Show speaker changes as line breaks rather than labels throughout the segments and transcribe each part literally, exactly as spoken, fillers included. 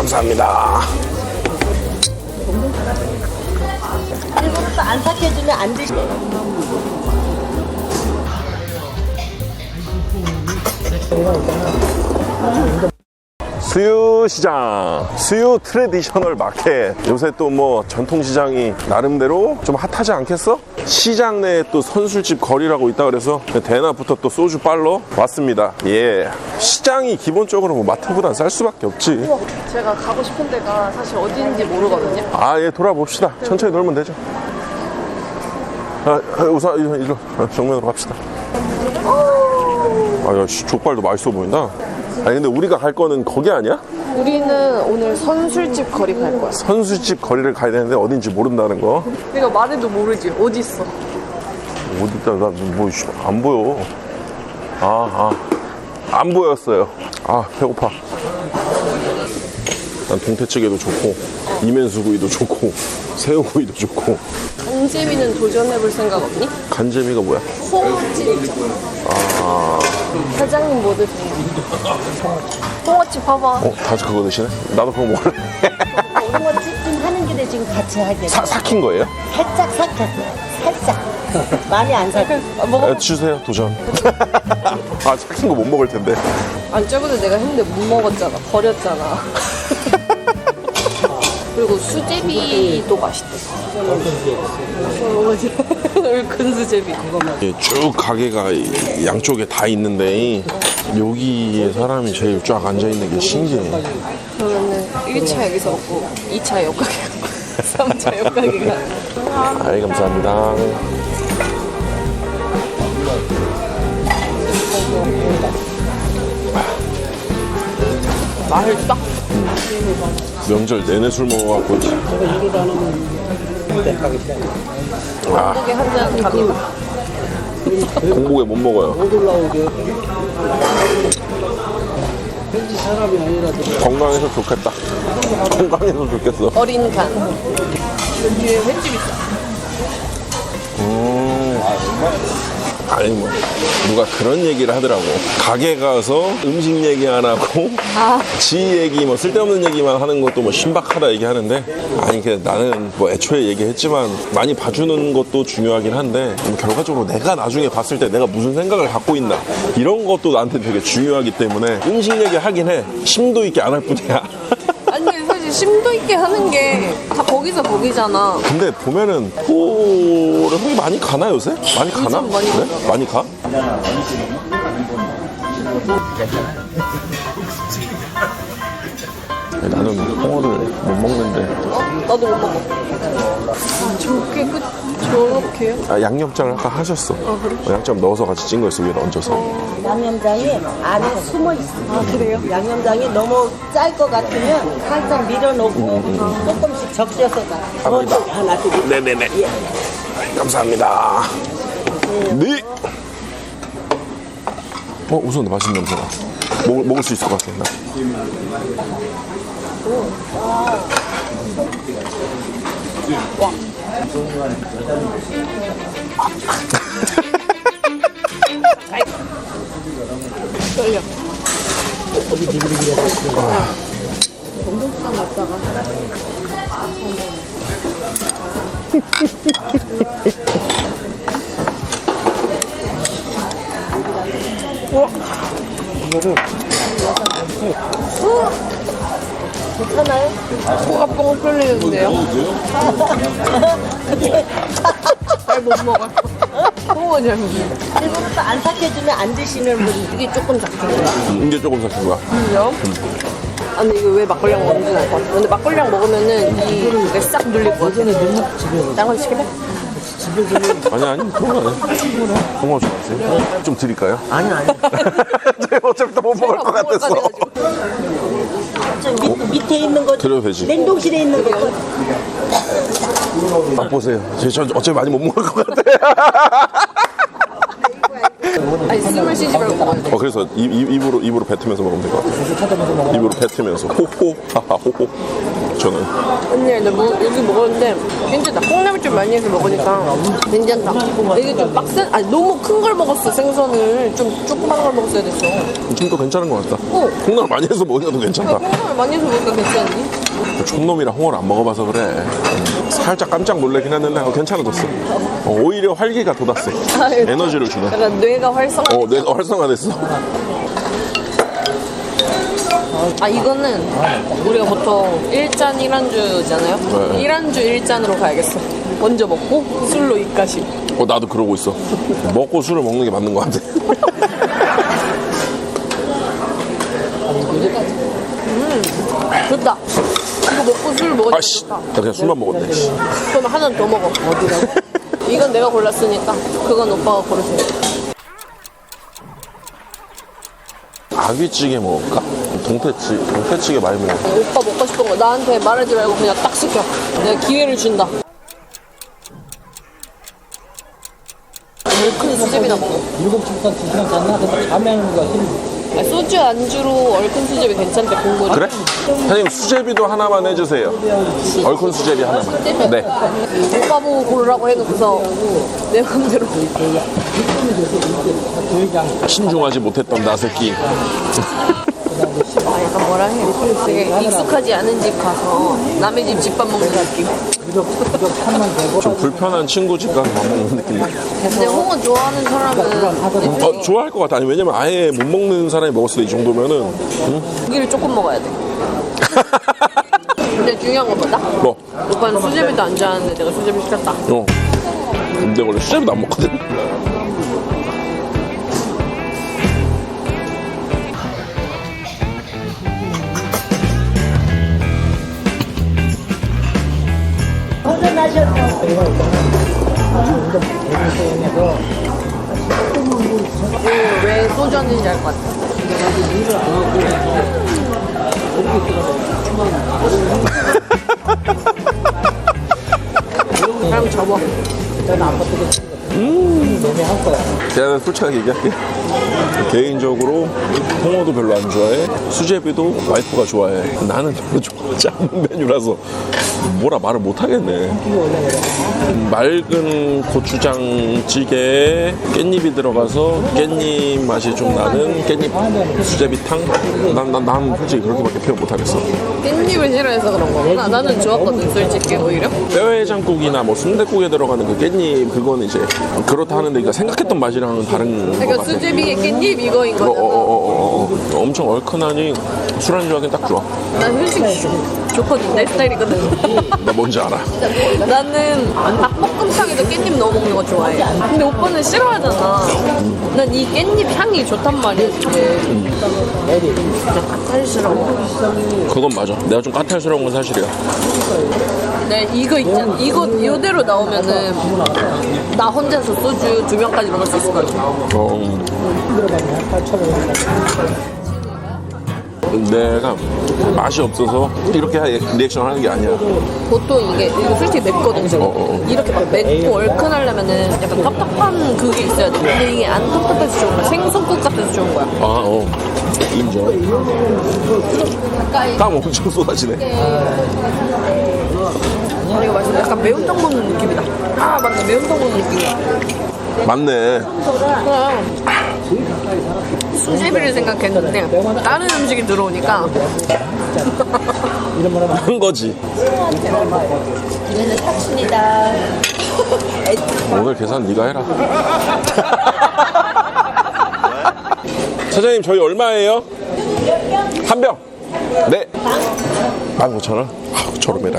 감사합니다.
일부러 안 삭혀주면 안 드시네.
수유시장, 수유 트레디셔널 마켓. 요새 또 뭐 전통시장이 나름대로 좀 핫하지 않겠어? 시장 내에 또 선술집 거리라고 있다 그래서 대낮부터 또 소주 빨러 왔습니다. 예. 시장이 기본적으로 뭐 마트보단 쌀 수밖에 없지.
제가 가고 싶은 데가 사실 어디인지 모르거든요.
아, 예, 돌아봅시다. 천천히 놀면 되죠. 아, 우선 일로, 일로. 아, 정면으로 갑시다. 아, 야, 씨, 족발도 맛있어 보인다. 아니, 근데 우리가 갈 거는 거기 아니야?
우리는 오늘 선술집 거리 갈 거야.
선술집 거리를 가야 되는데 어딘지 모른다는 거.
내가 말해도 모르지. 어디 있어?
어디다, 나, 뭐, 안 보여. 아, 아. 안 보였어요. 아, 배고파. 난 동태찌개도 좋고, 이면수구이도 좋고, 새우구이도 좋고.
간재미는 도전해볼 생각 없니?
간재미가 뭐야?
홍어집 있잖아.
아.
사장님 뭐 드세요? 홍어집 봐봐.
어, 다시 그거 드시네? 나도 그거 먹을래.
홍어 찜찜 하는 길에 지금 같이 하게.
사, 삭힌 거예요?
살짝 삭혔어요. 살짝. 많이 안 삭혔어요.
아, 먹어.
아, 주세요, 도전. 아, 삭힌 거 못 먹을 텐데.
아니 저번에 내가 했는데 못 먹었잖아. 버렸잖아. 그리고 수제비도 맛있대. 큰 수제비.
예, 쭉 가게가 양쪽에 다 있는데 여기에 사람이 제일 쫙 앉아있는 게 신기해.
그러면은 일 차 여기서 먹고 이 차 옆 가게 가고 삼 차 옆 가게 가고.
아이, 감사합니다.
맛있다.
명절 내내 술 먹어갖고. 아,
고기 한잔 갑니다.
공복에 못 먹어요. 건강해서 좋겠다. 건강해서 좋겠어.
어린 간. 여기에 횟집 있어.
음. 아니 뭐 누가 그런 얘기를 하더라고. 가게 가서 음식 얘기 안 하고
아.
지 얘기 뭐 쓸데없는 얘기만 하는 것도 뭐 신박하다 얘기하는데, 아니 그냥 나는 뭐 애초에 얘기했지만 많이 봐주는 것도 중요하긴 한데 뭐 결과적으로 내가 나중에 봤을 때 내가 무슨 생각을 갖고 있나 이런 것도 나한테 되게 중요하기 때문에 음식 얘기 하긴 해. 심도 있게 안 할 뿐이야.
아니 사실 심도 있게 하는 게 다 거기서 거기잖아.
근데 보면은 토를 형이 많이 가나 요새? 많이 가나?
요즘 많이
그래?
가죠.
많이 가? 나는 홍어를 못 먹는데.
어? 나도 못 먹어. 아, 저렇게 끝 저렇게요?
아, 양념장을 아까 하셨어.
아, 그래?
어, 양념 넣어서 같이 찐 거였어, 위에 얹어서.
양념장이 안에 숨어 있어. 아, 그래요? 양념장이 너무 짤 것 같으면 살짝 밀어놓고 조금씩 적셔서 가.
감사합니다.
먼저 하나 드릴게요.
네네네.
예.
감사합니다. 네. 어, 우선 맛있는 냄새가. 먹을, 먹을 수 있을 것 같아, 나.
와. 떨려. 동동탕 먹다가 우와.
괜찮아요?
코가 뻥 뚫리는데요? 잘 못 먹어. 홍어 잘 먹어.
일부러 안 삭혀주면 안 드시는 분.
이게 조금 작은
이게 조금 삭힌 거야.
거야. 아 근데 이거 왜 막걸리랑 먹는지 알 것 같아. 근데 막걸리랑 먹으면은 이게 싹 눌릴 것 같아. 딴거 시킬래?
아니, 아니, 그건 아니야. 홍어 좋아하세요? 좀 드릴까요?
아니, 아니.
제가 어차피 다 못 먹을 것 같았어.
저 밑, 밑에 있는 거.
드려도 되지.
냉동실에 있는 거.
맛보세요. 저 어차피 많이 못 먹을 것 같아.
아니 숨을 쉬지 말고 먹어야 돼.
어, 그래서 입, 입, 입으로, 입으로 뱉으면서 먹으면 될 것 같아. 입으로 뱉으면서. 호호, 하하, 호호. 저는.
언니, 근데 뭐, 여기 먹었는데 괜찮다. 콩나물 좀 많이 해서 먹으니까 괜찮다. 이게 좀 빡센, 아니 너무 큰 걸 먹었어. 생선을 좀 조그만 걸 먹었어야 됐어.
좀 더 괜찮은 것 같다.
어.
콩나물 많이 해서 먹으니까 더 괜찮다.
콩나물 많이 해서 먹으니까 괜찮니?
촌놈이랑 홍어를 안 먹어봐서 그래. 음, 살짝 깜짝 놀라긴 했는데 어, 괜찮아졌어. 어, 오히려 활기가 돋았어. 에너지를 주네.
약간 뇌가 활성화.
어, 뇌가 활성화됐어.
아 이거는 우리가 보통 일 잔 일 안주잖아요.
네.
일 안주 일 잔으로 가야겠어. 먼저 먹고 술로 입가심.
어, 나도 그러고 있어. 먹고 술을 먹는 게 맞는 것 같아.
음, 좋다. 이거 먹고 술 먹으니까
아씨,
좋다.
나 그냥 술만 먹었네. 씨.
그럼 하나 더 먹어. 이건 내가 골랐으니까 그건 오빠가 고르세요.
아귀찌개 먹을까? 동태찌, 동태찌개 많이 먹어.
오빠 먹고 싶은 거 나한테 말하지 말고 그냥 딱 시켜. 내가 기회를 준다. 얼큰 수제비나 먹어.
일곱 시부터 두 시간 잤나? 근데 잠에 오는 거야. 힘.
아, 소주 안주로 얼큰 수제비 괜찮대, 공구리.
그래? 사장님, 수제비도 하나만 해주세요. 얼큰 수제비 하나만. 네.
오빠 보고 고르라고 해놓고서 내 맘대로.
신중하지 못했던 나 새끼.
아, 약간 뭐라 해. 되게 익숙하지 않은 집 가서 남의 집 집밥 먹는 느낌.
좀 불편한 친구 집 가서 밥 먹는 느낌.
근데 홍어 좋아하는 사람은
어, 좋아할 것 같아. 아니, 왜냐면 아예 못 먹는 사람이 먹었을 때 이 정도면은. 응?
고기를 조금 먹어야 돼. 근데 중요한 건 뭐다?
뭐?
오빠는 수제비도 안 좋아하는데 내가 수제비 시켰다.
어. 근데 원래 수제비도 안 먹거든.
이거 왜 소주 한잔인지 알 것 같아. 그럼 접어.
제가 솔직하게 얘기할게. 개인적으로 홍어도 별로 안 좋아해. 수제비도 와이프가 좋아해. 나는 별로 좋아하지 않는 메뉴라서 뭐라 말을 못 하겠네. 맑은 고추장찌개에 깻잎이 들어가서 깻잎 맛이 좀 나는 깻잎 수제비탕. 난, 난, 난 솔직히 그렇게밖에 표현 못 하겠어.
깻잎을 싫어해서 그런 거구나. 나는 좋았거든, 솔직히, 오히려.
뼈해장국이나 뭐 순댓국에 들어가는 그 깻잎 그거는 이제 그렇다 하는데 그러니까 생각했던 맛이랑은 다른 것
그러니까
같아.
수제비에 깻잎 이거인
어,
거잖아.
어, 어, 어, 어. 엄청 얼큰하니 술안주하기엔 딱 좋아.
난 솔직히 좋거든, 내 스타일이거든.
나 뭔지 알아.
나는 닭볶음탕에도 깻잎 넣어 먹는 거 좋아해. 근데 오빠는 싫어하잖아. 난 이 깻잎 향이 좋단 말이야, 이게. 진짜 까탈스러워.
그건 맞아. 내가 좀 까탈스러운 건 사실이야.
네, 이거 있잖아. 이거 이대로 나오면은 나 혼자서 소주 두 병까지 먹을 수 있을 것 같아.
어. 내가 맛이 없어서 이렇게 리액션 하는 게 아니야.
보통 이게 이거 솔직히 맵거든 지금.
어, 어.
이렇게 막 맵고 얼큰하려면은 약간 텁텁한 그게 있어야 돼. 근데 이게 안 텁텁해서 좋은 거야. 생선국 같아서 좋은 거야.
아, 어. 인정. 땀 엄청 쏟아지네.
아, 이거 맛있어. 약간 매운탕 먹는 느낌이다. 아, 맞네. 매운탕 먹는 느낌이야.
맞네.
그럼 수제비를 생각했는데 다른 음식이 들어오니까
한 거지.
이거는 탑순이다.
오늘 계산 네가 해라. 사장님 저희 얼마예요? 한 병. 네. 만 오천 원? 아, 저렴해라.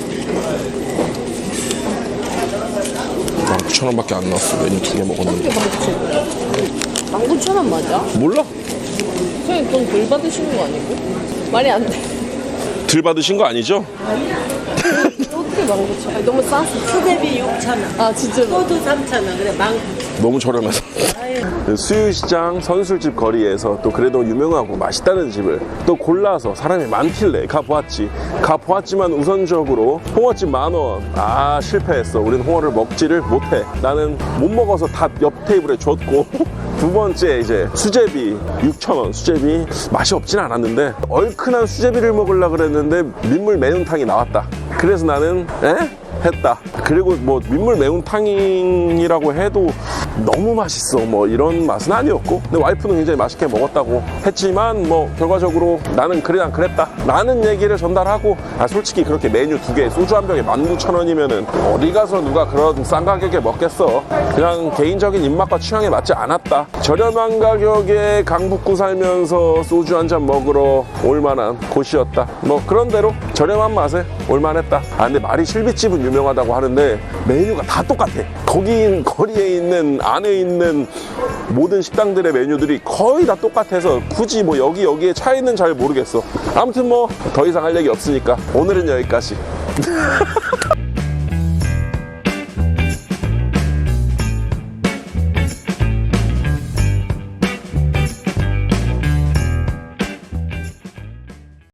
만 구천 원밖에 안 나왔어. 메뉴 두 개 먹었는데.
만 구천 원 맞아?
몰라?
선생님 돈 덜 받으시는 거 아니고? 말이 안 돼.
들 받으신 거 아니죠?
어떻게 만 구천 원? 너무 쌌어.
수제비 육천 원.
아 진짜로?
소주 삼천 원. 그래, 만
너무 저렴해서. 수유시장 선술집 거리에서 또 그래도 유명하고 맛있다는 집을 또 골라서 사람이 많길래 가보았지. 가보았지만 우선적으로 홍어집 만원. 아, 실패했어. 우린 홍어를 먹지를 못해. 나는 못 먹어서 다 옆 테이블에 줬고 두 번째 이제 수제비 육천 원. 수제비 맛이 없진 않았는데 얼큰한 수제비를 먹으려고 그랬는데 민물 매운탕이 나왔다. 그래서 나는 에? 했다. 그리고 뭐 민물 매운탕이라고 해도 너무 맛있어 뭐 이런 맛은 아니었고, 근데 와이프는 굉장히 맛있게 먹었다고 했지만 뭐 결과적으로 나는 그래 난 그랬다 라는 얘기를 전달하고, 아 솔직히 그렇게 메뉴 두 개 소주 한 병에 만 구천 원이면은 어디 가서 누가 그런 싼 가격에 먹겠어. 그냥 개인적인 입맛과 취향에 맞지 않았다. 저렴한 가격에 강북구 살면서 소주 한 잔 먹으러 올만한 곳이었다. 뭐 그런 대로 저렴한 맛에 올만했다. 아 근데 말이 실비집은 유명하다고 하는데 메뉴가 다 똑같아. 거기 거리에 있는 안에 있는 모든 식당들의 메뉴들이 거의 다 똑같아서 굳이 뭐 여기 여기에 차이는 잘 모르겠어. 아무튼 뭐 더 이상 할 얘기 없으니까 오늘은 여기까지.